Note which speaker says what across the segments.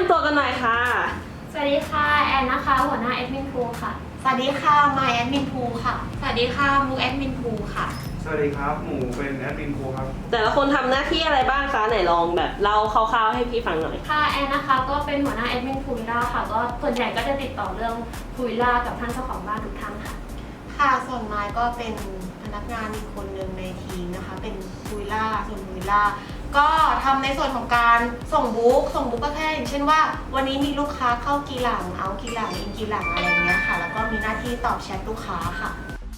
Speaker 1: ำตัวกันหน่อยค่ะ
Speaker 2: สวัสดีค่ะแอนนะคะหัวหน้าแอดมินพูค่ะ
Speaker 3: สวัสดีค่ะมายแอดมินพูค่ะ
Speaker 4: สวัสดีค่ะมูแอดมินพูค่ะ
Speaker 5: สวัสดีครับหมูเป็นแอดมินครูครับ
Speaker 1: แต่ละคนทำหน้าที่อะไรบ้างคะไหนลองแบบเล่าคร่าวๆให้พี่ฟังหน่อย
Speaker 2: ค่ะแอนนะคะก็เป็นหัวหน้าแอดมินพูวิลล่าค่ะก็ส่วนใหญ่ก็จะติดต่อเรื่องพูวิลล่ากับท่านเจ้าของบ้านทุกท่านค่ะ
Speaker 3: ค่ะส่วนมายก็เป็นพนักงานอีกคนหนึ่งในทีมนะคะเป็นพูวิลล่าส่วนพูวิลล่าก็ทำในส่วนของการส่งบุ๊กก็แค่อย่างเช่นว่าวันนี้มีลูกค้าเข้ากี่หลังเอากี่หลังอินกี่หลังอะไรเงี้ยค่ะแล้วก็มีหน้าที่ตอบแชทลูกค้าค่ะ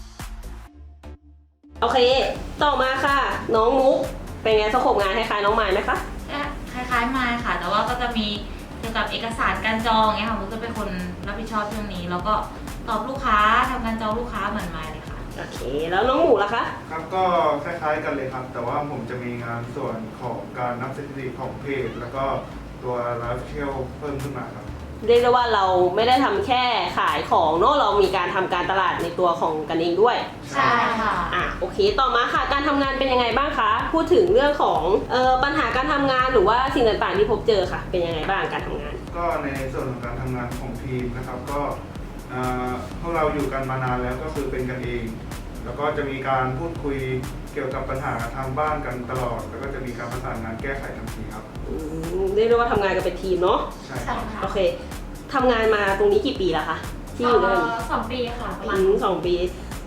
Speaker 1: โอเคต่อมาค่ะน้องมุกเป็นไงสโคปงานคล้ายๆน้องไม้ไหมคะ
Speaker 4: คล้ายๆมาค่ะแต่ว่าก็จะมีเกี่ยวกับเอกสารการจองเนี่ยค่ะมุกจะเป็นคนรับผิดชอบเรื่องนี้แล้วก็ตอบลูกค้าทำการจองลูกค้าเหมือนมาเลยค่ะ
Speaker 1: โอเคแล้วน้องหมูล่ะคะ
Speaker 5: ครับก็คล้ายๆกันเลยครับแต่ว่าผมจะมีงานส่วนของการนับสถิติของเพจแล้วก็ตัวไลฟ์เชลเพิ่มขึ้นมาครับ
Speaker 1: เรียกได้ว่าเราไม่ได้ทำแค่ขายของเนอะเรามีการทำการตลาดในตัวของกันเองด้วย
Speaker 3: ใช่ค่ะ
Speaker 1: โอเคต่อมาค่ะการทำงานเป็นยังไงบ้างคะพูดถึงเรื่องของปัญหาการทำงานหรือว่าสิ่งต่างๆที่พบเจอค่ะเป็นยังไงบ้างการทำงาน
Speaker 5: ก็ในส่วนของการทำงานของทีมนะครับก็พวกเราอยู่กันมานานแล้วก็คือเป็นกันเองแล้วก็จะมีการพูดคุยเกี่ยวกับปัญหาทางบ้านกันตลอดแล้วก็จะมีการประสานงานแก้ไขทันทีครับ
Speaker 1: เรียกได้ว่าทำงานกันเป็นทีมเนาะ
Speaker 5: ใช่ครับ
Speaker 1: โอเคทำงานมาตรงนี้กี่ปีแล้วคะที่อยู่ด้วยกัน
Speaker 2: 2 ปีค่ะประมาณ
Speaker 1: 2 ปี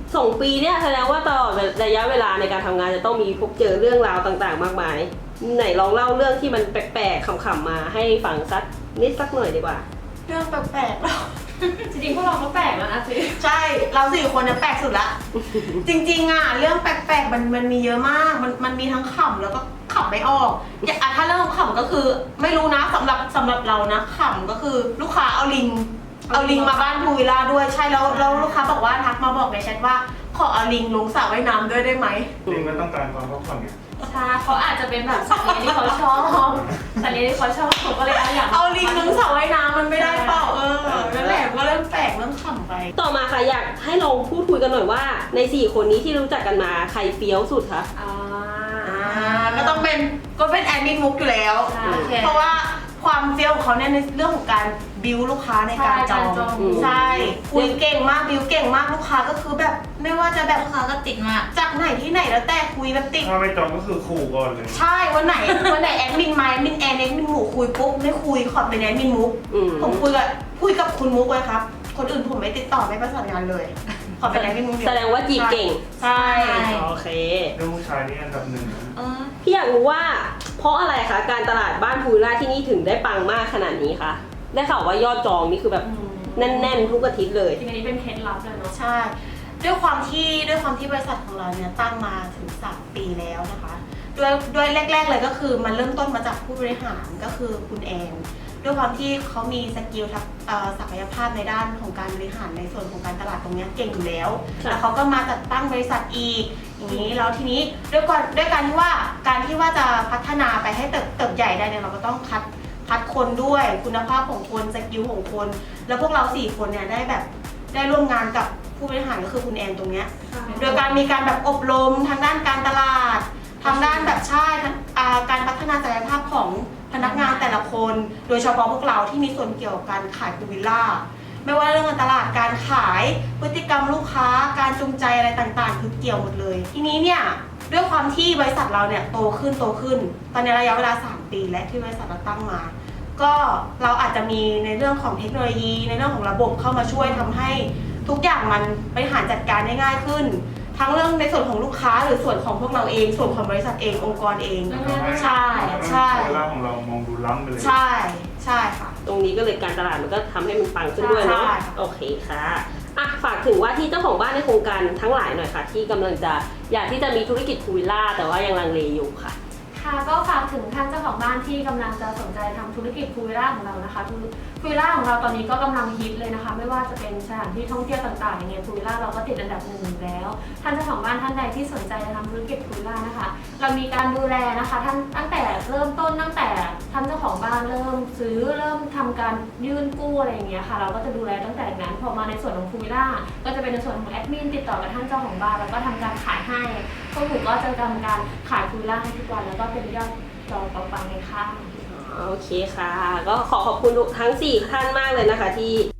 Speaker 1: 2 ปีเนี่ยแสดงว่าตลอดระยะเวลาในการทำงานจะต้องมีพบเจอเรื่องราวต่างๆมากมายไหนลองเล่าเรื่องที่มันแปลกๆขำๆมาให้ฟังสักนิดสักหน่อยดีกว่า
Speaker 3: เรื่องแปลกๆเรา
Speaker 2: จริงๆพวกเราก็แปลกแล้วนะสิ
Speaker 3: ใช่เรา4 คนเนี่ยแปลกสุดละ จริงๆอ่ะเรื่องแปลกๆมันมีเยอะมากมันมีทั้งขำแล้วก็ขำไม่ออกถ้าเรื่องขำก็คือไม่รู้นะสำหรับเรานะขำก็คือลูกค้าเอาลิงมาบ้านพูวิลล่าด้วยใช่แล้วลูกค้าบอกว่าทักมาบอกในแชทว่าขอเอาลิงลงสระว่ายน้ำด้วยได้ไหม
Speaker 5: ลิงก็ต้องการความพักผ่อนไง
Speaker 2: ใช่เขาอาจจะเป็นแบบสัตว์เลี้ยงที่เขาชอบสัตว์เลี้ยงที่เขาชอบผมก็เลยอยาก
Speaker 3: เอาลิงลงสระว่ายน้ำมันไม่ได้เปล่านั่นแหละก็เริ่มแปลกเริ่มขำไป
Speaker 1: ต่อมาค่ะอยากให้ลองพูดคุยกันหน่อยว่าใน4 คนนี้ที่รู้จักกันมาใครเฟี้ยวสุดคะ
Speaker 3: ก็ต้องเป็นแอดมินมุกอยู่แล้วเพราะว่าความเฟี้ยวของเขาเนี่ยในเรื่องของการบิวลูกค้าในการจองใช่คุยเก่งมากบิวเก่งมากลูกค้าก็คือแบบไม่ว่าจะแบบ
Speaker 4: ลูกค้าก็ติดมาก
Speaker 3: จากไหนที่ไหนแล้วแต่คุยแบบติด
Speaker 5: ถ้าไม่จองก็คือขู่ก่อนเลย
Speaker 3: ใช่วันไหนแอดมินมาแอดมินหมูคุยปุ๊บไม่คุยขอเป็นแอดมินมุกผมคุยกับคุณมุกเลยครับคนอื่นผมไม่ติดต่อไม่ประสานงานเลยขอเป็นแอดมินมุก
Speaker 1: แสดงว่าจีบเก่ง
Speaker 3: ใช่
Speaker 1: โอเค
Speaker 5: เรื่องผู้ชายนี่อันดับ 1
Speaker 1: พี่อยากรู้ว่าเพราะอะไรคะการตลาดบ้านพูวิลล่าที่นี่ถึงได้ปังมากขนาดนี้คะได้ข่าวว่ายอดจองนี่คือแบบแน่นๆทุกอาทิตย์เลย
Speaker 2: จริงๆอันนี้เป็นเคล็ดลับเลยเนาะ
Speaker 3: ใช่ด้วยความที่บริษัทของเราเนี่ยตั้งมาถึง3 ปีแล้วนะคะด้วยแรกๆเลยก็คือมันเริ่มต้นมาจากผู้บริหารก็คือคุณแอนด้วยความที่เขามีสกิลศักยภาพในด้านของการบริหารในส่วนของการตลาดตรงนี้เก่งอยู่แล้วแล้วเขาก็มาจัดตั้งบริษัทอีกอย่างนี้แล้วทีนี้ด้วยการที่ว่าจะพัฒนาไปให้เติบใหญ่ได้เนี่ยเราก็ต้องคัดคนด้วยคุณภาพของคนสกิลของคนแล้วพวกเรา4 คนเนี่ยได้ร่วมงานกับผู้บริหารก็คือคุณแอนตรงเนี้ยโดยการมีการแบบอบรมทางด้านการตลาดทางด้านแบบการพัฒนาศักยภาพของพนักงานแต่ละคนโดยเฉพาะพวกเราที่มีส่วนเกี่ยวกับการขายพูวิลล่าไม่ว่าเรื่องการตลาดการขายพฤติกรรมลูกค้าการจูงใจอะไรต่างๆคือเกี่ยวหมดเลยทีนี้เนี่ยด้วยความที่บริษัทเราเนี่ยโตขึ้นตอนในระยะเวลา3 ปีและที่บริษัทเราตั้งมาก็เราอาจจะมีในเรื่องของเทคโนโลยีในเรื่องของระบบเข้ามาช่วยทำให้ทุกอย่างมันบริหารจัดการได้ง่ายขึ้นทั้งเรื่องในส่วนของลูกค้าหรือส่วนของพวกเราเองส่วนของบริษัทเององค์กรเองใช่
Speaker 5: เวลาของเรามองดูล้ำไปเลย
Speaker 3: ใช่ค่ะ
Speaker 1: ตรงนี้ก็เลยการตลาดมันก็ทำให้มันปังขึ้นด้วยเนาะโอเคค่ะฝากถึงว่าที่เจ้าของบ้านในโครงการทั้งหลายหน่อยค่ะที่กำลังจะอยากที่จะมีธุรกิจพูวิลล่าแต่ว่ายังลังเลอยู่ค่ะ
Speaker 2: ค่ะก็ฝากถึงท่านเจ้าของบ้านที่กำลังจะสนใจทำธุรกิจพูวิลล่าของเรานะคะพูวิลล่าของเราตอนนี้ก็กำลังฮิตเลยนะคะไม่ว่าจะเป็นสถานที่ท่องเที่ยวต่างๆอย่างเงี้ยพูวิลล่าเราก็ติดอันดับ1แล้วท่านเจ้าของบ้านท่านใดที่สนใจจะทำธุรกิจพูวิลล่านะคะเรามีการดูแลนะคะท่านตั้งแต่เริ่มต้นตั้งแต่ท่านเจ้าของบ้านเริ่มซื้อเริ่มทำการยื่นกู้อะไรอย่างเงี้ยค่ะเราก็จะดูแลตั้งแต่นั้นพอมาในส่วนของพูวิลล่าก็จะเป็นในส่วนของแอดมินติดต่อกับท่านเจ้าของบ้านแล้วก็ทำการขายให้พวกหนูก็จะทำการขายพูวิลล่าให้ทุกวันแล้วก็เป็นยอดจองปังๆเลยค่ะ
Speaker 1: โอเคค่ะ ก็ขอขอบคุณทั้ง4ท่านมากเลยนะคะที่